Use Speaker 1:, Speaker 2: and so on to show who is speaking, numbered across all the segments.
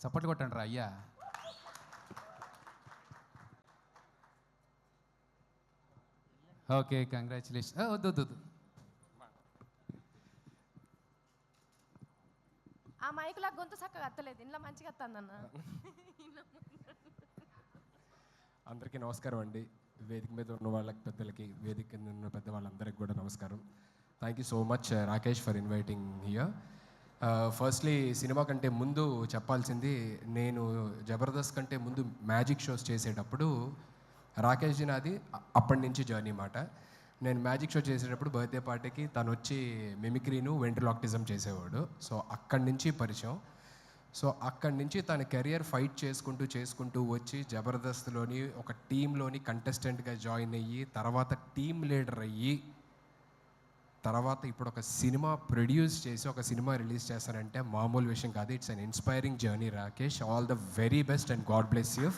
Speaker 1: చప్పట్లు కొట్టండి రా అయ్యా. Okay, congratulation. వద్దు వద్దు వద్దు.
Speaker 2: ఆ మైకులా గొంతు చక్కగా అత్తలేదు, ఇంట్లో మంచిగా అత్తందన్న.
Speaker 3: అందరికీ నమస్కారం అండి. వేదిక మీద ఉన్న వాళ్ళకి, పెద్దలకి, వేదిక కింద ఉన్న పెద్ద వాళ్ళందరికీ కూడా నమస్కారం. Thank you so much Rakesh for inviting here. Firstly సినిమా కంటే ముందు చెప్పాల్సింది, నేను జబర్దస్త్ కంటే ముందు మ్యాజిక్ షోస్ చేసేటప్పుడు రాకేష్ జీ నాది అప్పటి నుంచి జర్నీ మాట. నేను మ్యాజిక్ షో చేసేటప్పుడు బర్త్డే పార్టీకి తను వచ్చి మిమిక్రీను వెంట్రలాక్టిజం చేసేవాడు. సో అక్కడి నుంచి పరిచయం. సో అక్కడి నుంచి తన కెరియర్ ఫైట్ చేసుకుంటూ వచ్చి జబర్దస్త్లోని ఒక టీంలోని కంటెస్టెంట్గా జాయిన్ అయ్యి, తర్వాత టీమ్ లీడర్ అయ్యి, తర్వాత ఇప్పుడు ఒక సినిమా ప్రొడ్యూస్ చేసి ఒక సినిమా రిలీజ్ చేస్తారంటే మామూలు విషయం కాదు. It's an inspiring journey Rakesh. All the very best and god bless you.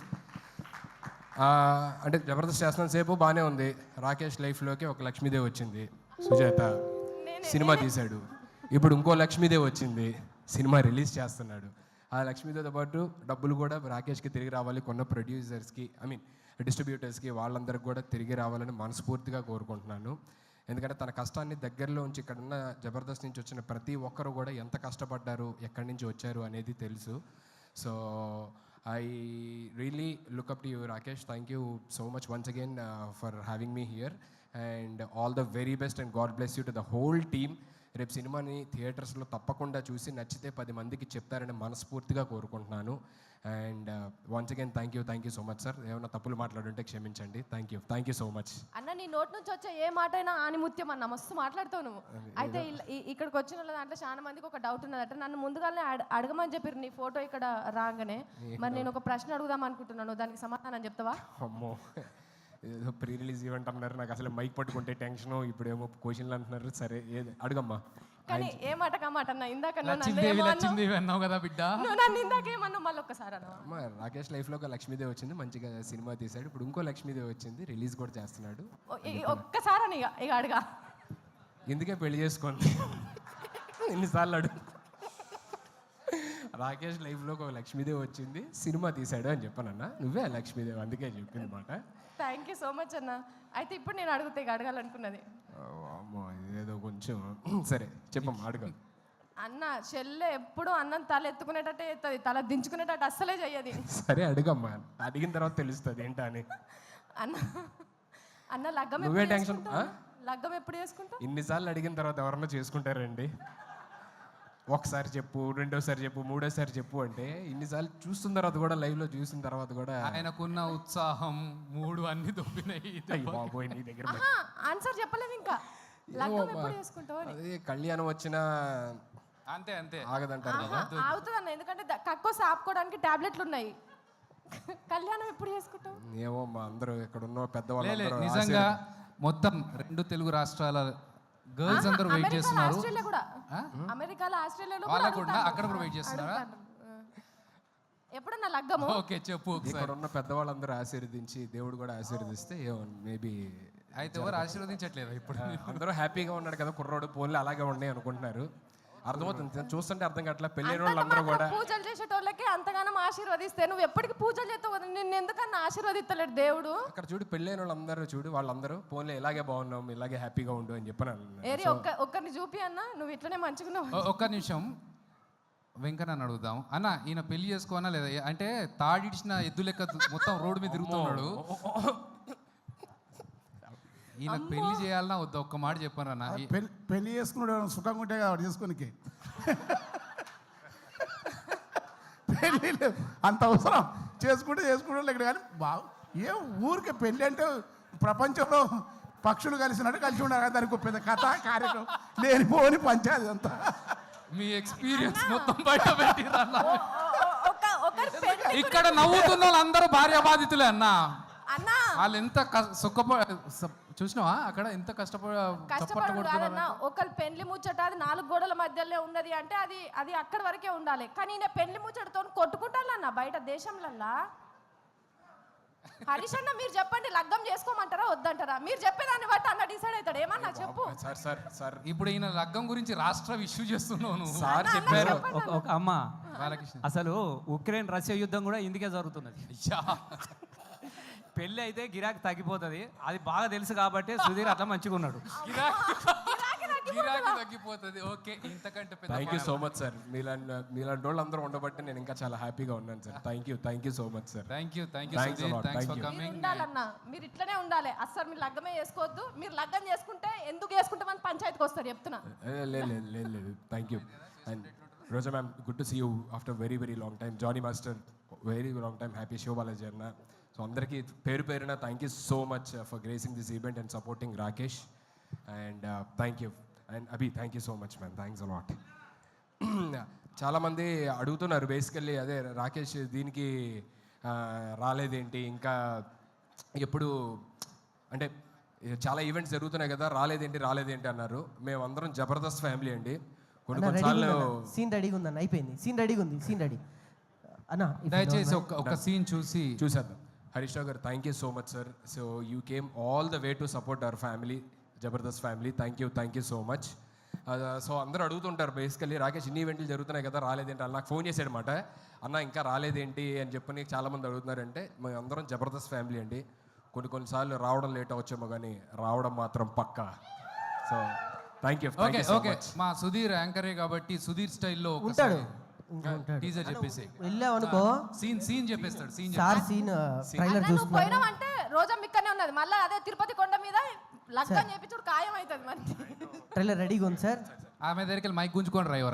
Speaker 3: అంటే జబర్దస్త్ చేస్తున్న సేపు బాగానే ఉంది. రాకేష్ లైఫ్లోకి ఒక లక్ష్మీదేవి వచ్చింది, సుజాత. సినిమా తీశాడు. ఇప్పుడు ఇంకో లక్ష్మీదేవి వచ్చింది, సినిమా రిలీజ్ చేస్తున్నాడు. ఆ లక్ష్మీదేవితో పాటు డబ్బులు కూడా రాకేష్కి తిరిగి రావాలి, కొన్న ప్రొడ్యూసర్స్కి, డిస్ట్రిబ్యూటర్స్కి, వాళ్ళందరికీ కూడా తిరిగి రావాలని మనస్ఫూర్తిగా కోరుకుంటున్నాను. ఎందుకంటే తన కష్టాన్ని దగ్గరలో ఉంచి, ఇక్కడ ఉన్న జబర్దస్త్ నుంచి వచ్చిన ప్రతి ఒక్కరు కూడా ఎంత కష్టపడ్డారు, ఎక్కడి నుంచి వచ్చారు అనేది తెలుసు. So I really look up to you, Rakesh. Thank you so much once again for having me here, and all the very best and God bless you to the whole team. రేపు సినిమాని థియేటర్స్లో తప్పకుండా చూసి నచ్చితే 10 మందికి చెప్తారని మనస్ఫూర్తిగా కోరుకుంటున్నాను. And once again thank you so much sir. ఏమైనా తప్పులు మాట్లాడుంటే క్షమించండి. థ్యాంక్ యూ సో మచ్
Speaker 2: అన్న. నీ నోటి నుంచి వచ్చే ఏ మాట అయినా ఆనిముత్యం అన్న, మస్తు మాట్లాడుతావు నువ్వు. అయితే ఇక్కడికి వచ్చిన వాళ్ళ దాంట్లో చాలా మందికి ఒక డౌట్ ఉన్నదట. నన్ను ముందుగానే అడగమని చెప్పారు నీ ఫోటో ఇక్కడ రాగానే. మరి నేను ఒక ప్రశ్న అడుగుదాం అనుకుంటున్నాను, దానికి సమాధానం చెప్తావా?
Speaker 3: అమ్మో, ఏదో ప్రీ రిలీజ్ ఈవెంట్ అన్నారు, నాకు అసలు మైక్ పట్టుకుంటే టెన్షను, ఇప్పుడు ఏమో క్వశ్చన్లు అంటున్నారు. సరే అడుగమ్మా.
Speaker 2: కానీ ఏ మాట కామాట అన్న, ఇందాక
Speaker 1: లక్ష్మీదేవి అన్నావు కదా బిడ్డ,
Speaker 2: నన్ను ఇందాక ఏమన్నా మళ్ళీ ఒక్కసారి అన్న.
Speaker 3: రాకేష్ లైఫ్లో ఒక లక్ష్మీదేవి వచ్చింది, మంచిగా సినిమా తీశాడు. ఇప్పుడు ఇంకో లక్ష్మీదేవి వచ్చింది, రిలీజ్ కూడా చేస్తున్నాడు.
Speaker 2: ఒక్కసారి అని ఇక అడగా.
Speaker 3: ఎందుకే పెళ్లి చేసుకోండి ఎన్నిసార్లు అడుగు. రాకేష్ లైఫ్లో ఒక లక్ష్మీదేవి వచ్చింది, సినిమా తీశాడు అని చెప్పానన్నా. నువ్వే లక్ష్మీదేవి, అందుకే చెప్పింది మాట.
Speaker 2: థ్యాంక్ యూ సో మచ్ అన్న. అయితే ఇప్పుడు నేను అడుగుతా, ఇక అడగాలనుకున్నది.
Speaker 3: అమ్మో, ఏదో కొంచెం సరే చెప్పమ్మా, అడుగు.
Speaker 2: అన్న చెల్లె ఎప్పుడు అన్నం తల ఎత్తుకునేటట్టే ఎత్తది, తల దించుకునేటట్టు అస్సలే చెయ్యది.
Speaker 3: సరే అడుగమ్మా, అడిగిన తర్వాత తెలుస్తుంది ఏంటా అని.
Speaker 2: అన్న లగ్గం
Speaker 3: నువ్వే టెన్షన్.
Speaker 2: లగ్గం ఎప్పుడు చేసుకుంటా?
Speaker 3: ఇన్నిసార్లు అడిగిన తర్వాత ఎవరన్నా చేసుకుంటారండి? ఒకసారి చెప్పు, రెండోసారి చెప్పు, మూడోసారి చెప్పు అంటే ఇన్నిసార్లు చూస్తున్న తర్వాత కూడా, లైవ్లో చూసిన తర్వాత కూడా
Speaker 1: ఆయనకున్న ఉత్సాహం, మూడు అన్ని దొబ్బినాయి.
Speaker 3: బాబోయ్, నీ దగ్గర
Speaker 2: ఆన్సర్ చెప్పలేదు ఇంకా. లగ్గం ఎప్పుడు చేసుకుంటావు?
Speaker 3: అదే కళ్యాణం వచ్చినా
Speaker 1: అంతే
Speaker 3: ఆగదంటారు కదా.
Speaker 2: ఆగుతుంది అన్న, ఎందుకంటే కక్కోసి ఆపుకోవడానికి టాబ్లెట్లు ఉన్నాయి. కళ్యాణం ఎప్పుడు చేసుకుంటావు?
Speaker 3: ఏమో మా అందరూ ఇక్కడ ఉన్న పెద్దవాళ్ళు
Speaker 1: నిజంగా మొత్తం 2 తెలుగు రాష్ట్రాల గర్ల్స్ అందరూ వెయిట్ చేస్తున్నారు.
Speaker 2: అమెరికాలో, ఆస్ట్రేలియాలో
Speaker 1: వాళ్ళకు అక్కడ కూడా వెయిట్ చేస్తున్నారా?
Speaker 2: ఎప్పుడన్నా లగ్గము?
Speaker 1: ఓకే చెప్పు.
Speaker 3: ఇక్కడ ఉన్న పెద్దవాళ్ళందరూ ఆశీర్వదించి, దేవుడు కూడా ఆశీర్వదిస్తే మేబీ.
Speaker 1: అయితే ఎవరు ఆశీర్వదించట్లేదు ఇప్పుడు?
Speaker 3: అందరూ హ్యాపీగా ఉన్నాడు కదా కుర్రోడు, పోన్లు అలాగే ఉన్నాయి అనుకుంటున్నారు. అర్థమవుతుంది, చూస్తుంటే అర్థం కావట్లేదు. పెళ్ళైన వాళ్ళందరూ కూడా
Speaker 2: పూజలు చేసేటోళ్ళకి అంతగానం ఆశీర్వదిస్తే నువ్వు ఎప్పటికీ పూజలు చేస్తావు, నిన్ను ఎందుకన్నా ఆశీర్వదిస్తలేడు దేవుడు?
Speaker 3: అక్కడ చూడు, పెళ్ళైన వాళ్ళందరూ చూడు, వాళ్ళందరూ పోన్లే ఇలాగే బాగున్నాం, ఇలాగే హ్యాపీగా ఉండు అని చెప్పాను.
Speaker 2: ఏరి ఒక్కరిని చూపి అన్న, నువ్వు ఇట్లనే మంచిగున్నావు.
Speaker 1: ఒక్క నిమిషం వెంకన్న అడుగుదాం. అన్న, ఈయన పెళ్లి చేసుకోనా లేదా? అంటే తాడిడిచిన ఎద్దు లెక్క మొత్తం రోడ్డు మీద తిరుగుతున్నాడు. ఈయన పెళ్లి చేయాలన్నా వద్దా? ఒక్క మాట చెప్పాను అన్న.
Speaker 4: పెళ్లి చేసుకున్నాడు సుఖంగా ఉంటే కాబట్టి చేసుకోనికి. పెళ్ళి అంత అవసరం, చేసుకుంటే ఇక్కడ. కానీ ఏ ఊరికే పెళ్ళి అంటే ప్రపంచంలో పక్షులు కలిసినట్టు కలిసి ఉండాలి. దానికి పెద్ద కథ కార్యక్రమం లేనిపోని పంచాయతీ అంతా.
Speaker 1: మీ ఎక్స్పీరియన్స్ మొత్తం బయట పెట్టిరా. ఇక్కడ నవ్వుతున్న వాళ్ళందరూ భార్య బాధితులే అన్న. వాళ్ళు ఎంత చూసినావా అక్కడ ఎంత
Speaker 2: కష్టపడుతున్నారు. ఒకళ్ళు పెళ్లి ముచ్చట అది 4 గోడల మధ్యలో ఉన్నది అంటే అది అక్కడి వరకే ఉండాలి. కానీ నేను పెళ్లి ముచ్చటతో కొట్టుకుంటానన్న బయట దేశంలల్లా. హరీష్ అన్న, మీరు చెప్పండి, లగ్గం చేసుకోమంటారా వద్దంటారా? మీరు చెప్పేదాన్ని బట్టి అన్న డిసైడ్ అవుతాడు. ఏమన్నా చెప్పు.
Speaker 3: సార్
Speaker 1: ఇప్పుడు ఈయన లగ్గం గురించి రాష్ట్ర ఇష్యూ చేస్తున్నావు.
Speaker 3: సార్ చెప్పారు.
Speaker 5: అమ్మ
Speaker 1: బాలకృష్ణ
Speaker 5: అసలు ఉక్రెయిన్ రష్యా యుద్ధం కూడా ఇందుకే జరుగుతున్నది.
Speaker 1: అయ్యా.
Speaker 5: పెళ్ళి అయితే గిరాకీ తగ్గిపోతుంది, అది బాగా తెలుసు కాబట్టి సుధీర్ అట్లా మంచిగా ఉన్నాడు.
Speaker 1: గిరాకీ తగ్గిపోతుంది. ఓకే, ఇంతకంటే పెద్ద
Speaker 3: thank you so much sir. మీలాంటి వాళ్ళు అందరూ ఉండబట్టి నేను ఇంకా చాలా హ్యాపీగా ఉన్నాను sir. Thank you so much sir.
Speaker 1: Thank you
Speaker 3: Thanks a
Speaker 1: Sudheer,
Speaker 3: lot.
Speaker 1: Thanks
Speaker 3: Thank
Speaker 1: for
Speaker 3: you.
Speaker 2: మీరు
Speaker 1: కమింగ్.
Speaker 2: ఉండాలన్నా, మీరు ఇట్లనే ఉండాలి. అస్సలు మీరు లగ్గమే చేసుకోవద్దు. మీరు లగ్గం చేసుకుంటే ఎందుకు చేసుకుంటామని పంచాయతీకి వస్తారు చెప్తున్నా.
Speaker 3: లేదు thank you. And Roja ma'am, good to see you after very very long time. Johnny master, very long time. Happy Sivabalaji అన్న. సో అందరికీ పేరున thank you so much for gracing this event and supporting Rakesh. And thank you. And Abhi, thank you so much ma'am. Thanks a lot. చాలామంది అడుగుతున్నారు basically, అదే రాకేష్ దీనికి రాలేదేంటి ఇంకా, ఎప్పుడు అంటే చాలా ఈవెంట్స్ జరుగుతున్నాయి కదా, రాలేదేంటి అన్నారు. మేమందరం జబర్దస్త్ ఫ్యామిలీ అండి. కొన్నిసార్లు
Speaker 6: సీన్ రెడీగా ఉందన్న, అయిపోయింది. సీన్ రెడీగా ఉంది, సీన్ రెడీ అన్న.
Speaker 1: దయచేసి ఒక సీన్ చూసి
Speaker 3: చూసేద్దాం. హరీష్ రావు గారు, thank you so much sir. So you came all the way to support our family, Jabardasth family. Thank you so much. So అందరూ అడుగుతుంటారు బేసికల్లీ, రాకేష్ ఇన్ని ఈవెంట్లు జరుగుతున్నాయి కదా, రాలేదేంటి అని. నాకు ఫోన్ చేశాడు అనమాట, అన్న ఇంకా రాలేదేంటి అని చెప్పని చాలామంది అడుగుతున్నారంటే, మేము అందరం జబర్దస్త్ ఫ్యామిలీ అండి. కొన్నిసార్లు రావడం లేట్ అవచ్చేమో కానీ రావడం మాత్రం పక్కా. So thank you.
Speaker 1: Okay okay, మా సుధీర్ యాంకరే కాబట్టి సుధీర్ స్టైల్లో
Speaker 6: ఉంటాడు.
Speaker 1: టీజర్ చెప్పేసి
Speaker 6: వెళ్ళావు అనుకో
Speaker 1: సీన్ చెప్పేస్తాడు.
Speaker 6: సార్ సీన్ ట్రైలర్
Speaker 2: నువ్వు
Speaker 6: చూస్తున్నా.
Speaker 2: పోయినావంటే రోజా మిక్కనే ఉన్నది. మళ్ళీ అదే తిరుపతి కొండ మీద లగ్గం చేపించుడు ఖాయం అవుతుంది మరి.
Speaker 6: ట్రైలర్ రెడీగా ఉంది సార్.
Speaker 1: ఆమె దగ్గరికి మైక్ గుంజుకొని రా ఎవరు